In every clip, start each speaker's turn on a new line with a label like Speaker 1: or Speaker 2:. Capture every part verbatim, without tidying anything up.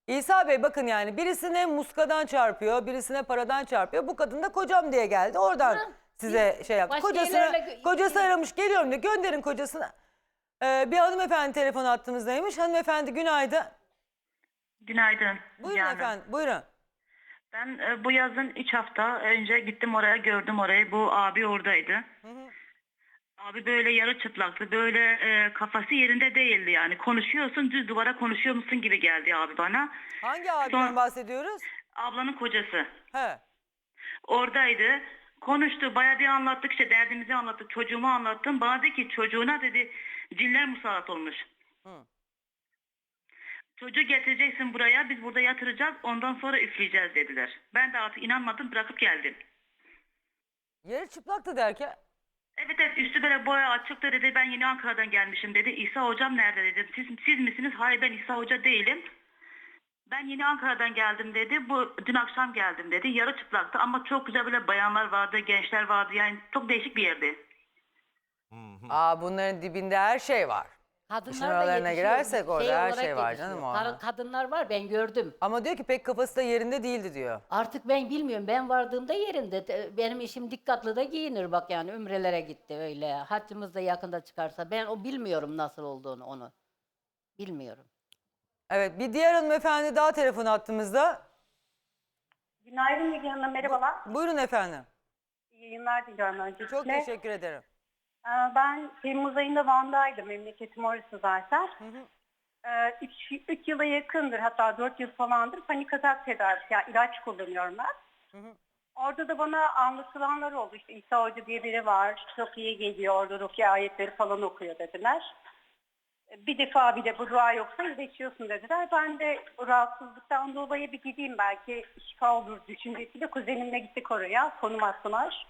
Speaker 1: İsa Bey bakın yani birisine muskadan çarpıyor, birisine paradan çarpıyor. Bu kadın da kocam diye geldi. Oradan
Speaker 2: Ha,
Speaker 1: size
Speaker 2: biz
Speaker 1: şey yaptı.
Speaker 2: başka
Speaker 1: Kocasına,
Speaker 2: yerlerle-
Speaker 1: kocası aramış geliyorum diyor. Gönderin kocasına. Ee, bir hanımefendi telefon attığımızdaymış. Hanımefendi günaydın.
Speaker 3: Günaydın.
Speaker 1: Buyurun
Speaker 3: Yani
Speaker 1: efendim buyurun.
Speaker 3: ben e, bu yazın üç hafta önce gittim oraya, gördüm orayı. Bu abi oradaydı.
Speaker 1: Hı hı.
Speaker 3: Abi böyle yarı çıplaktı. Böyle e, kafası yerinde değildi yani. Konuşuyorsun, düz duvara konuşuyor musun gibi geldi abi bana.
Speaker 1: Hangi abiden
Speaker 3: Son,
Speaker 1: bahsediyoruz?
Speaker 3: ablanın kocası
Speaker 1: He.
Speaker 3: oradaydı. Konuştu, bayağı bir anlattık, işte derdimizi anlattık, çocuğumu anlattım. Bana dedi ki çocuğuna dedi cinler musallat olmuş.
Speaker 1: Hı.
Speaker 3: Çocuğu getireceksin buraya, biz burada yatıracağız, ondan sonra üfleyeceğiz dediler. Ben de artık inanmadım, bırakıp geldim.
Speaker 1: Yarı çıplaktı derken.
Speaker 3: Evet evet, üstü böyle boya açıktı dedi, ben yeni Ankara'dan gelmişim dedi. İsa hocam nerede dedim. Siz, siz misiniz? Hayır, ben İsa hoca değilim. Ben yeni Ankara'dan geldim dedi. Bu dün akşam geldim dedi. Yarı çıplaktı ama çok güzel böyle bayanlar vardı, gençler vardı. Yani çok değişik bir yerdi.
Speaker 1: Aa bunların dibinde her şey var. İşin
Speaker 2: Kadınlar da
Speaker 1: oralarına
Speaker 2: yetişiyor.
Speaker 1: girersek orada her
Speaker 2: olarak
Speaker 1: şey var
Speaker 2: yetişiyor.
Speaker 1: canım
Speaker 2: Kar-
Speaker 1: orada.
Speaker 2: Kadınlar var, ben gördüm.
Speaker 1: Ama diyor ki pek kafası da yerinde değildi diyor.
Speaker 2: Artık ben bilmiyorum, ben vardığımda yerinde. Te- Benim işim dikkatli de giyinir, bak yani ümrelere gitti öyle. Haccımız da yakında çıkarsa, ben o bilmiyorum nasıl olduğunu onu. Bilmiyorum.
Speaker 1: Evet bir diğer hanımefendi daha telefon attığımızda.
Speaker 4: Günaydın Müge Hanım, merhabalar.
Speaker 1: Buyurun efendim.
Speaker 4: İyi yayınlar diliyorum öncelikle.
Speaker 1: Çok teşekkür ederim.
Speaker 4: Ee, Ben Temmuz ayında Van'daydım, memleketim orası zaten. Ee, Üç, üç yıla yakındır, hatta dört yıl falandır panik atak tedavisi, yani ilaç kullanıyorum ben. Orada da bana anlatılanlar oldu. İşte İsa Hoca diye biri var, çok iyi geliyor, orada rukiye ayetleri falan okuyor dediler. Bir defa bile bu dua yoksa iyileşiyorsun dediler. Ben de bu rahatsızlıktan dolayı bir gideyim, belki şifa olur düşüncesiyle kuzenimle gittik oraya. Konum attılar.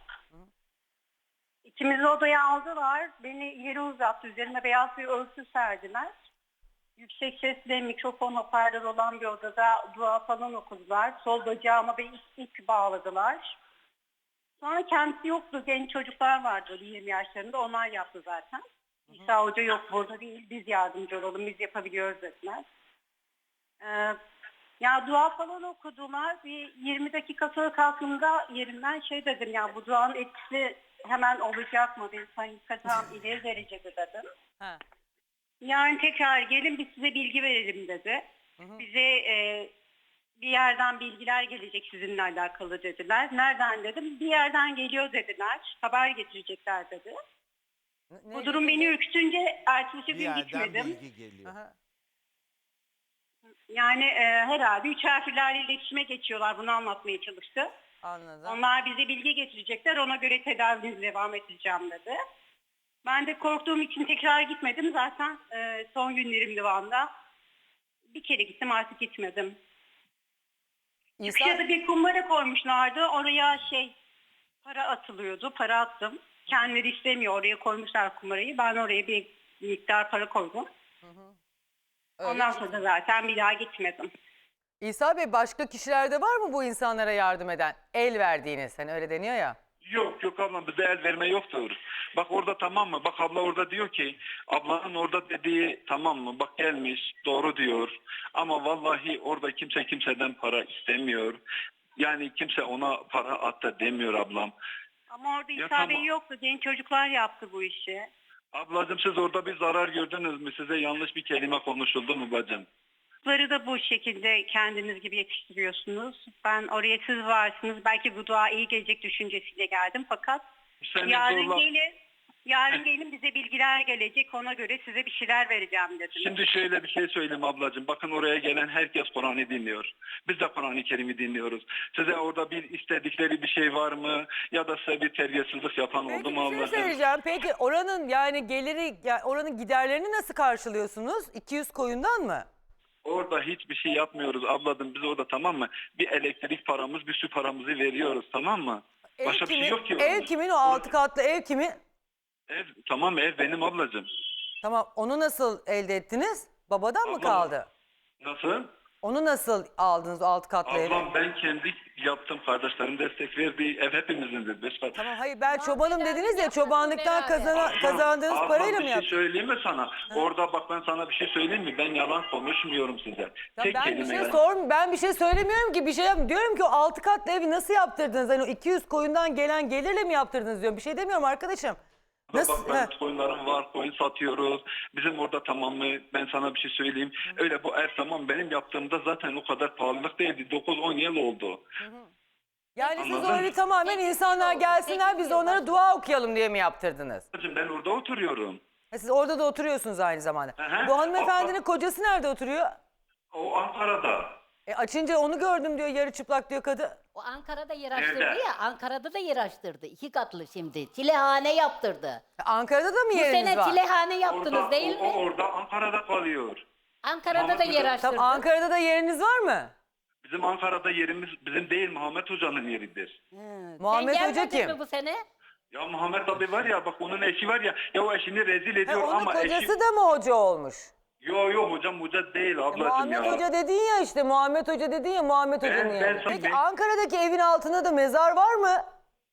Speaker 4: İkimizi odaya aldılar. Beni yere uzattı. Üzerime beyaz bir örtü serdiler. Yüksek sesle mikrofon hoparlör olan bir odada dua falan okudular. Sol bacağıma bir ip, ip bağladılar. Sonra kendisi yoktu. Genç çocuklar vardı yirmi yaşlarında. Onlar yaptı zaten. İsa Hoca yok burada değil. Biz yardımcı olalım. Biz yapabiliyoruz dediler. Ee, ya dua falan okudular. Bir yirmi dakika sonra kalktığımda yerimden şey dedim, ya bu duanın etkisi hemen olacak mı? Bir hakikaten ileri derecede dedim.
Speaker 1: Ha.
Speaker 4: Yani tekrar gelin, biz size bilgi verelim dedi.
Speaker 1: Hı hı.
Speaker 4: Bize e, bir yerden bilgiler gelecek sizinle alakalı dediler. Nereden dedim. Bir yerden geliyor dediler. Haber getirecekler dedi.
Speaker 1: Ne-
Speaker 4: Bu
Speaker 1: ne
Speaker 4: durum beni
Speaker 1: getirecek?
Speaker 4: ürkütünce ertesi
Speaker 5: Bir
Speaker 4: gün
Speaker 5: yerden
Speaker 4: gitmedim.
Speaker 5: bilgi geliyor.
Speaker 1: Aha.
Speaker 4: Yani e, herhalde üç harflerle iletişime geçiyorlar. Bunu anlatmaya çalıştı.
Speaker 1: Anladım.
Speaker 4: Onlar bize bilgi getirecekler. Ona göre tedavinizi devam edeceğim dedi. Ben de korktuğum için tekrar gitmedim. Zaten e, son günlerimdi Van'da. Bir kere gittim, artık gitmedim.
Speaker 1: İsa,
Speaker 4: Çıkışa da bir kumbara koymuşlardı. Oraya şey para atılıyordu. Para attım. Kendileri istemiyor. Oraya koymuşlar kumbarayı. Ben oraya bir miktar para koydum.
Speaker 1: öyle
Speaker 4: Ondan
Speaker 1: mi?
Speaker 4: sonra da zaten bir daha gitmedim.
Speaker 1: İsa Bey başka kişilerde var mı bu insanlara yardım eden? El verdiğiniz hani öyle deniyor ya.
Speaker 6: Yok yok ablam, bize el verme yoktur. Bak orada, tamam mı? Bak abla orada diyor ki, ablanın orada dediği tamam mı? Bak gelmiş, doğru diyor. Ama vallahi orada kimse kimseden para istemiyor. Yani kimse ona para at da demiyor ablam.
Speaker 4: Ama orada
Speaker 6: Ya
Speaker 4: İsa
Speaker 6: tamam.
Speaker 4: Bey yoktu. Genç çocuklar yaptı bu işi.
Speaker 6: Ablacığım siz orada bir zarar gördünüz mü? Size yanlış bir kelime konuşuldu mu bacım?
Speaker 4: Çocukları da bu şekilde kendiniz gibi yetiştiriyorsunuz. Ben oraya siz varsınız. Belki bu dua iyi gelecek düşüncesiyle geldim. Fakat
Speaker 6: Seni
Speaker 4: yarın
Speaker 6: zorla...
Speaker 4: gelin. Yarın gelin, bize bilgiler gelecek. Ona göre size bir şeyler vereceğim dedim.
Speaker 6: Şimdi şöyle bir şey söyleyeyim ablacığım. Bakın oraya gelen herkes Kur'an'ı dinliyor. Biz de Kur'an-ı Kerim'i dinliyoruz. Size orada bir istedikleri bir şey var mı? Ya da size bir terbiyesizlik yapan
Speaker 1: Peki
Speaker 6: oldu
Speaker 1: bir
Speaker 6: mu
Speaker 1: şey
Speaker 6: ablacığım?
Speaker 1: söyleyeceğim. Peki oranın yani geliri, yani oranın giderlerini nasıl karşılıyorsunuz? iki yüz koyundan mı?
Speaker 6: Orada hiçbir şey yapmıyoruz ablacığım. Biz orada, tamam mı? Bir elektrik paramız, bir su paramızı veriyoruz, tamam mı?
Speaker 1: Ev
Speaker 6: Başka bir
Speaker 1: kimin?
Speaker 6: şey yok ki.
Speaker 1: Ev
Speaker 6: orada.
Speaker 1: kimin? O altı katlı ev kimin?
Speaker 6: Ev, tamam, ev benim ablacığım.
Speaker 1: Tamam onu nasıl elde ettiniz? Babadan mı
Speaker 6: Ablam-
Speaker 1: kaldı?
Speaker 6: Nasıl?
Speaker 1: Onu nasıl aldınız o alt katlı evi?
Speaker 6: Ablam ben kendi yaptım. Kardeşlerim destek verdiği ev hepimizindir. Beş kat.
Speaker 1: Tamam hayır ben çobanım
Speaker 2: beraber
Speaker 1: dediniz ya,
Speaker 2: yapmadınız
Speaker 1: çobanlıktan
Speaker 2: beraber.
Speaker 1: kazana,
Speaker 6: Ablam,
Speaker 1: kazandığınız
Speaker 6: ablam,
Speaker 1: parayla
Speaker 6: bir
Speaker 1: mı
Speaker 6: şey
Speaker 1: yaptınız?
Speaker 6: söyleyeyim mi sana? Orada bak ben sana bir şey söyleyeyim mi? Ben yalan konuşmuyorum size.
Speaker 1: Ya
Speaker 6: Tek
Speaker 1: ben bir
Speaker 6: kelime
Speaker 1: şey
Speaker 6: yalan.
Speaker 1: sorm, ben bir şey söylemiyorum ki, bir şey yap. Diyorum ki o altı katlı evi nasıl yaptırdınız? Hani o iki yüz koyundan gelen gelirle mi yaptırdınız diyorum. Bir şey demiyorum arkadaşım. Nasıl?
Speaker 6: Bak
Speaker 1: He.
Speaker 6: ben koyunlarım var, koyun satıyoruz. Bizim orada tamam mı? Ben sana bir şey söyleyeyim. Öyle bu ev tamam benim yaptığımda zaten o kadar pahalılık değildi. dokuz on yıl oldu.
Speaker 1: Yani siz o
Speaker 6: Anladın?
Speaker 1: evi tamamen
Speaker 2: Sekiz
Speaker 1: insanlar
Speaker 2: yıl,
Speaker 1: gelsinler
Speaker 2: sekiz
Speaker 1: biz de
Speaker 2: yıl
Speaker 1: onlara
Speaker 2: başladı.
Speaker 1: dua okuyalım diye mi yaptırdınız?
Speaker 6: Ben orada oturuyorum.
Speaker 1: Ha, siz orada da oturuyorsunuz aynı zamanda.
Speaker 6: Hı hı.
Speaker 1: Bu hanımefendinin
Speaker 6: O-
Speaker 1: kocası nerede oturuyor?
Speaker 6: O Ankara'da.
Speaker 1: E açınca onu gördüm diyor, yarı çıplak diyor kadın.
Speaker 2: O Ankara'da yer açtırdı
Speaker 6: Nerede?
Speaker 2: ya. Ankara'da da yer açtırdı. İki katlı şimdi. Çilehane yaptırdı.
Speaker 1: E, Ankara'da da mı
Speaker 2: Bu
Speaker 1: yeriniz
Speaker 2: sene
Speaker 1: var?
Speaker 2: çilehane yaptınız
Speaker 6: Orada,
Speaker 2: değil
Speaker 6: o,
Speaker 2: mi?
Speaker 6: o orada Ankara'da kalıyor.
Speaker 2: Ankara'da da
Speaker 6: Mahmut
Speaker 2: yer
Speaker 6: Hoca-
Speaker 2: açtırdı.
Speaker 1: Tamam, Ankara'da da yeriniz var mı?
Speaker 6: Bizim Ankara'da yerimiz bizim değil Muhammed Hoca'nın yeridir.
Speaker 2: Hı.
Speaker 1: Muhammed
Speaker 2: Sen
Speaker 1: Hoca
Speaker 2: gelmedin
Speaker 1: kim?
Speaker 2: mi bu sene?
Speaker 6: Ya Muhammed abi var ya bak onun eşi var ya ya o eşini rezil
Speaker 1: Ha,
Speaker 6: ediyor
Speaker 1: onun
Speaker 6: ama
Speaker 1: kocası
Speaker 6: eşi...
Speaker 1: da mı hoca olmuş?
Speaker 6: Yo yo hocam hoca değil
Speaker 1: E,
Speaker 6: ablacığım
Speaker 1: Muhammed
Speaker 6: ya.
Speaker 1: Hoca dedin ya işte, Muhammed Hoca dedin ya, Muhammed Hoca'nın
Speaker 6: ben
Speaker 1: yerine.
Speaker 6: sana-
Speaker 1: Peki
Speaker 6: ben-
Speaker 1: Ankara'daki evin altında da mezar var mı?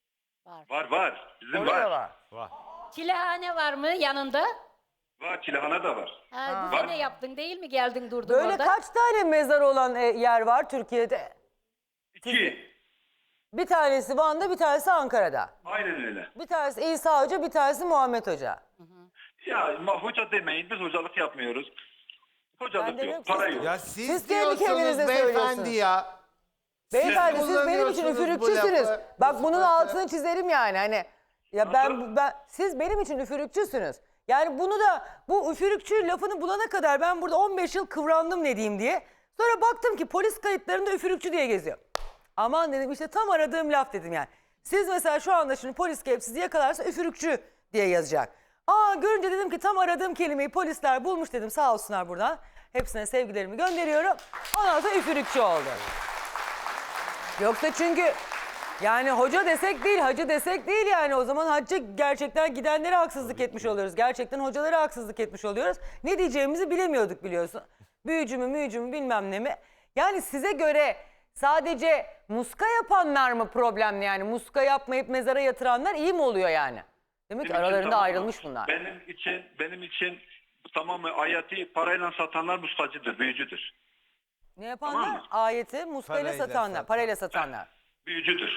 Speaker 6: Var var bizim
Speaker 1: Orada
Speaker 6: var.
Speaker 1: var.
Speaker 2: Çilehane var mı yanında?
Speaker 6: Var Çilehane da var.
Speaker 2: Ha, bu
Speaker 6: Var.
Speaker 2: sene yaptın değil mi? Geldin durdun
Speaker 1: Böyle
Speaker 2: orada.
Speaker 1: kaç tane mezar olan e, yer var Türkiye'de?
Speaker 6: İki.
Speaker 1: Bir tanesi Van'da, bir tanesi Ankara'da.
Speaker 6: Aynen öyle.
Speaker 1: Bir tanesi İsa Hoca, bir tanesi Muhammed Hoca.
Speaker 6: Ya ma- hoca demeyin biz hocalık yapmıyoruz.
Speaker 1: Ben
Speaker 6: Hocalık
Speaker 1: demiyorum
Speaker 6: yok,
Speaker 1: ki
Speaker 6: para
Speaker 1: siz-
Speaker 6: yok.
Speaker 5: Ya siz,
Speaker 1: Siz kendi
Speaker 5: diyorsunuz
Speaker 1: kendinize
Speaker 5: beyefendi
Speaker 1: söylüyorsunuz.
Speaker 5: ya.
Speaker 1: Beyefendi
Speaker 5: Siz
Speaker 1: siz benim için
Speaker 5: kullanıyorsunuz bu
Speaker 1: üfürükçüsünüz.
Speaker 5: lafı,
Speaker 1: Bak
Speaker 5: bu
Speaker 1: bunun
Speaker 5: sıfatı.
Speaker 1: altını çizerim yani, hani ya ben ben siz benim için üfürükçüsünüz. Yani bunu da, bu üfürükçü lafını bulana kadar ben burada on beş yıl kıvrandım ne diyeyim diye. Sonra baktım ki polis kayıtlarında üfürükçü diye geziyor. Aman dedim, işte tam aradığım laf dedim yani. Siz mesela şu anda şimdi polis gelip sizi yakalarsa üfürükçü diye yazacak. Aa, görünce dedim ki tam aradığım kelimeyi polisler bulmuş dedim, sağ olsunlar buradan. Hepsine sevgilerimi gönderiyorum. Ondan sonra üfürükçü oldu. Yoksa çünkü yani hoca desek değil, hacı desek değil yani. O zaman hacca gerçekten gidenlere haksızlık etmiş oluyoruz. Gerçekten hocalara haksızlık etmiş oluyoruz. Ne diyeceğimizi bilemiyorduk biliyorsun. Büyücü mü müyücü mü bilmem ne mi. Yani size göre sadece muska yapanlar mı problemli yani? Muska yapmayıp mezara yatıranlar iyi mi oluyor yani? Demek ki
Speaker 6: Benim için
Speaker 1: aralarında
Speaker 6: tamam.
Speaker 1: ayrılmış bunlar.
Speaker 6: Benim için benim için tamamen ayeti parayla satanlar muskacıdır, büyücüdür.
Speaker 1: Ne yapanlar?
Speaker 6: Tamam mı?
Speaker 1: Ayeti muskayla
Speaker 5: Parayla
Speaker 1: satanlar,
Speaker 5: satan.
Speaker 1: parayla satanlar.
Speaker 6: Büyücüdür.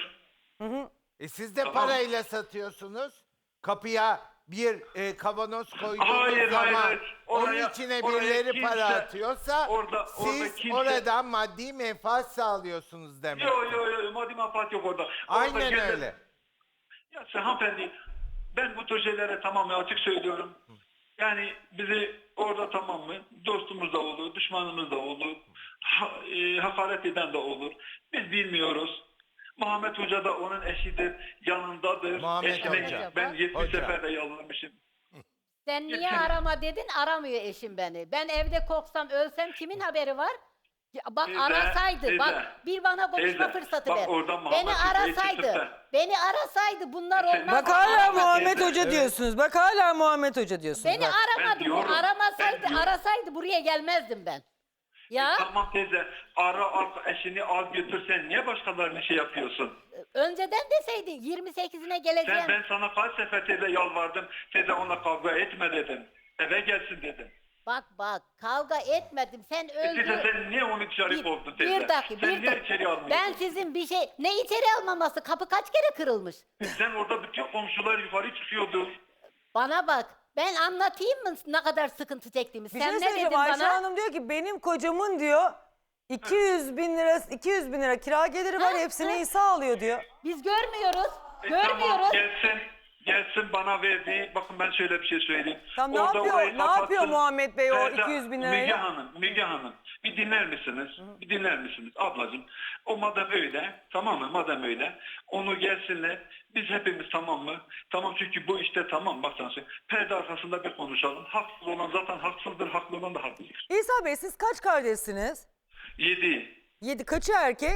Speaker 5: E siz de
Speaker 6: Tamam.
Speaker 5: parayla satıyorsunuz. Kapıya bir e, kavanoz koyduğunuz
Speaker 6: Hayır,
Speaker 5: zaman
Speaker 6: hayır, hayır.
Speaker 5: onun
Speaker 6: Oraya-
Speaker 5: içine
Speaker 6: oraya
Speaker 5: birileri
Speaker 6: kimse-
Speaker 5: para atıyorsa
Speaker 6: orada- orada
Speaker 5: siz
Speaker 6: kimse-
Speaker 5: oradan maddi menfaat sağlıyorsunuz demek.
Speaker 6: Yo yo yo maddi manfaat yok orada. Orada
Speaker 5: Aynen
Speaker 6: gezen-
Speaker 5: öyle.
Speaker 6: Ya sen hanımefendi ben bu tür şeylere tamamen açık söylüyorum. Yani bizi orada tamam mı dostumuz da olur, düşmanımız da olur, ha, e, hakaret eden de olur. Biz bilmiyoruz. Muhammed Hoca da onun eşidir, yanındadır.
Speaker 5: Muhammed
Speaker 6: Eşine
Speaker 5: Hoca.
Speaker 6: ben yetmiş
Speaker 5: Hoca.
Speaker 6: sefer de yalvarmışım.
Speaker 2: Sen niye
Speaker 6: Yeter.
Speaker 2: arama dedin? Aramıyor eşim beni. Ben evde korksam ölsem kimin haberi var? Ya bak
Speaker 6: Teyze,
Speaker 2: arasaydı.
Speaker 6: teyze,
Speaker 2: Bak bir bana konuşma
Speaker 6: teyze,
Speaker 2: fırsatı
Speaker 6: bak
Speaker 2: ver.
Speaker 6: oradan Muhammed
Speaker 2: Beni
Speaker 6: Hoca'yı
Speaker 2: arasaydı.
Speaker 6: tutup da-
Speaker 2: Beni arasaydı bunlar
Speaker 6: Sen-
Speaker 2: olmaz.
Speaker 1: Bak hala
Speaker 2: Aramadı.
Speaker 1: Muhammed
Speaker 6: Evet.
Speaker 1: Hoca diyorsunuz. Bak hala Muhammed Hoca diyorsunuz.
Speaker 2: Beni
Speaker 1: Bak.
Speaker 2: aramadı.
Speaker 6: Ben
Speaker 2: Bu
Speaker 6: diyorum,
Speaker 2: aramasaydı,
Speaker 6: ben diyorum.
Speaker 2: arasaydı buraya gelmezdim ben. Ya
Speaker 6: Tamam teyze ara al eşini al götür sen niye başkalarına şey yapıyorsun?
Speaker 2: önceden deseydin yirmi sekizine geleceğim.
Speaker 6: Sen ben sana kaç sefer teyze yalvardım. Teyze onunla kavga etme dedim. Eve gelsin dedim.
Speaker 2: Bak bak kavga etmedim. Sen
Speaker 6: E teyze
Speaker 2: öldün.
Speaker 6: sen niye onu dışarı
Speaker 2: Bir,
Speaker 6: kovdun teyze?
Speaker 2: bir dakika,
Speaker 6: sen
Speaker 2: bir
Speaker 6: niye
Speaker 2: dakika.
Speaker 6: içeri almıyorsun?
Speaker 2: Ben sizin bir şey, ne içeri almaması? Kapı kaç kere kırılmış?
Speaker 6: Sen orada bütün komşular yukarı çıkıyordu.
Speaker 2: Bana bak, ben anlatayım mı ne kadar sıkıntı çektiğimi?
Speaker 1: Bir
Speaker 2: Sen
Speaker 1: şey
Speaker 2: ne
Speaker 1: söyleyeceğim.
Speaker 2: dedin
Speaker 1: Ayşe
Speaker 2: bana?
Speaker 1: Hanım diyor ki benim kocamın diyor iki yüz bin lira iki yüz bin lira kira geliri var,
Speaker 2: Ha,
Speaker 1: hepsini
Speaker 2: ha.
Speaker 1: İsa alıyor diyor.
Speaker 2: Biz görmüyoruz,
Speaker 6: E tamam
Speaker 2: görmüyoruz.
Speaker 6: gelsin. Gelsin bana verdiği, bakın ben şöyle bir şey söyleyeyim.
Speaker 1: Tamam, ne
Speaker 6: Orada
Speaker 1: yapıyor-
Speaker 6: orayı
Speaker 1: ne yapıyor
Speaker 6: kapatsın.
Speaker 1: Muhammed Bey o
Speaker 6: Teyze,
Speaker 1: iki yüz bin
Speaker 6: Müge
Speaker 1: lirayla?
Speaker 6: Hanım, Müge Hanım bir dinler misiniz? Bir dinler misiniz ablacığım? O madem öyle, tamam mı? Madem öyle, onu gelsinler. Biz hepimiz tamam mı? Tamam çünkü bu işte tamam bak sana söyleyeyim. Perde arkasında bir konuşalım. Haksız olan zaten haksızdır, haklı olan da haklıdır.
Speaker 1: İsa Bey siz kaç kardeşsiniz?
Speaker 6: Yedi,
Speaker 1: Yedi, kaçı erkek?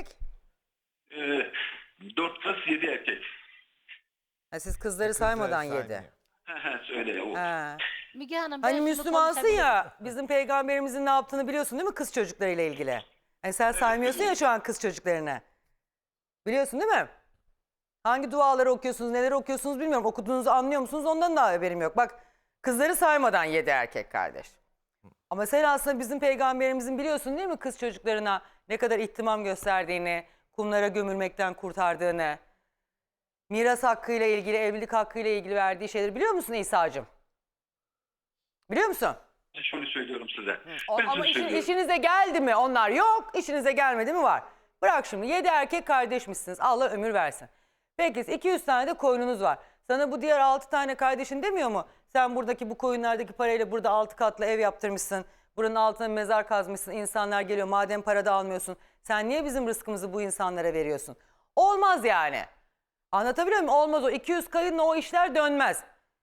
Speaker 6: e, dört kız, yedi erkek.
Speaker 1: Ha, siz kızları saymadan yedi.
Speaker 6: He he söyle o.
Speaker 1: Ha.
Speaker 2: Müge Hanım ben
Speaker 1: Hani
Speaker 2: şunu
Speaker 1: Müslümansın
Speaker 2: konuşabilirim.
Speaker 1: ya, bizim peygamberimizin ne yaptığını biliyorsun değil mi kız çocuklarıyla ilgili? E sen saymıyorsun ya şu an kız çocuklarını. Biliyorsun değil mi? Hangi duaları okuyorsunuz, neleri okuyorsunuz bilmiyorum. Okuduğunuzu anlıyor musunuz? Ondan da haberim yok. Bak kızları saymadan yedi erkek kardeş. Ama sen aslında bizim peygamberimizin biliyorsun değil mi kız çocuklarına ne kadar ihtimam gösterdiğini, kumlara gömülmekten kurtardığını, miras hakkıyla ilgili, evlilik hakkıyla ilgili verdiği şeyleri biliyor musun İsa'cığım? Biliyor musun?
Speaker 6: Ben şunu söylüyorum size.
Speaker 1: O-
Speaker 6: Ben
Speaker 1: ama
Speaker 6: şunu
Speaker 1: işin-
Speaker 6: söylüyorum.
Speaker 1: işinize geldi mi onlar yok, işinize gelmedi mi var. Bırak şimdi yedi erkek kardeşmişsiniz Allah ömür versin. Peki iki yüz tane de koyununuz var. Sana bu diğer altı tane kardeşin demiyor mu? Sen buradaki bu koyunlardaki parayla burada altı katlı ev yaptırmışsın. Buranın altına mezar kazmışsın. İnsanlar geliyor madem para da almıyorsun. Sen niye bizim rızkımızı bu insanlara veriyorsun? Olmaz yani. Anlatabiliyor muyum? Olmaz o. iki yüz koyunla o işler dönmez.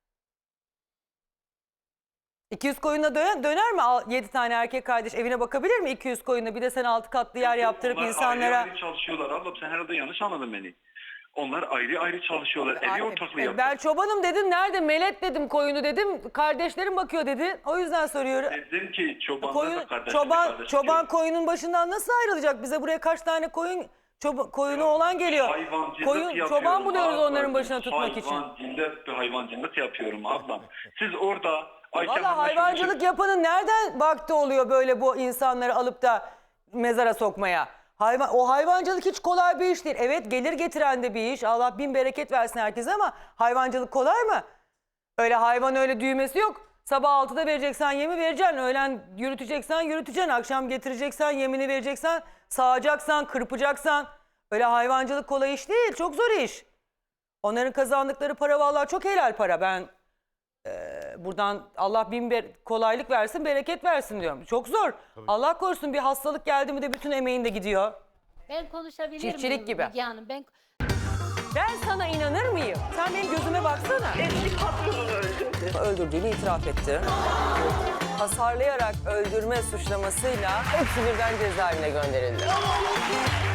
Speaker 1: iki yüz koyunla döner, döner mi? yedi tane erkek kardeş evine bakabilir mi iki yüz koyunla? Bir de sen altı katlı yer yaptırıp
Speaker 6: Onlar
Speaker 1: insanlara...
Speaker 6: ayrı ayrı çalışıyorlar ablam. Sen herhalde yanlış anladın beni. Onlar ayrı ayrı çalışıyorlar. Evi
Speaker 1: Ay,
Speaker 6: ortaklığı
Speaker 1: e,
Speaker 6: yapıyor.
Speaker 1: Ben çobanım dedim. Nerede? Melet dedim koyunu dedim. Kardeşlerim bakıyor dedi. O yüzden soruyorum.
Speaker 6: Dedim ki çobanlar
Speaker 1: Koyun,
Speaker 6: da kardeşler
Speaker 1: çoban,
Speaker 6: kardeş
Speaker 1: çoban
Speaker 6: değil.
Speaker 1: koyunun başından nasıl ayrılacak? Bize buraya kaç tane koyun çoba- koyunu olan geliyor.
Speaker 6: Hayvancılık
Speaker 1: Koyun,
Speaker 6: yapıyorum
Speaker 1: çoban buluyoruz
Speaker 6: ablam.
Speaker 1: onların başına tutmak için.
Speaker 6: Hayvancılık, bir hayvancılık yapıyorum ablam. Siz orada Ayşe
Speaker 1: Valla
Speaker 6: Hanım'la şunu
Speaker 1: hayvancılık yapanın nereden vakti oluyor böyle bu insanları alıp da mezara sokmaya? Hayvan, o hayvancılık hiç kolay bir iş değil. Evet gelir getiren de bir iş. Allah bin bereket versin herkese ama hayvancılık kolay mı? Öyle hayvan öyle düğmesi yok. Sabah altıda vereceksen yemi vereceksin. Öğlen yürüteceksen yürüteceksin. Akşam getireceksen yemini vereceksen. Sağacaksan, kırpacaksan. Öyle hayvancılık kolay iş değil. Çok zor iş. Onların kazandıkları para vallahi çok helal para. Ben e, buradan Allah bin ber- kolaylık versin, bereket versin diyorum. Çok zor. Allah korusun bir hastalık geldi mi de bütün emeğin de gidiyor.
Speaker 2: Ben konuşabilir
Speaker 1: Çiftçilik
Speaker 2: miyim
Speaker 1: gibi.
Speaker 2: Müge Hanım? Ben
Speaker 1: Ben sana inanır mıyım? Sen benim gözüme baksana.
Speaker 4: Eski patronunu öldürdü.
Speaker 1: Öldürdüğünü itiraf etti. Hasarlayarak öldürme suçlamasıyla hepsi birden cezaevine gönderildi.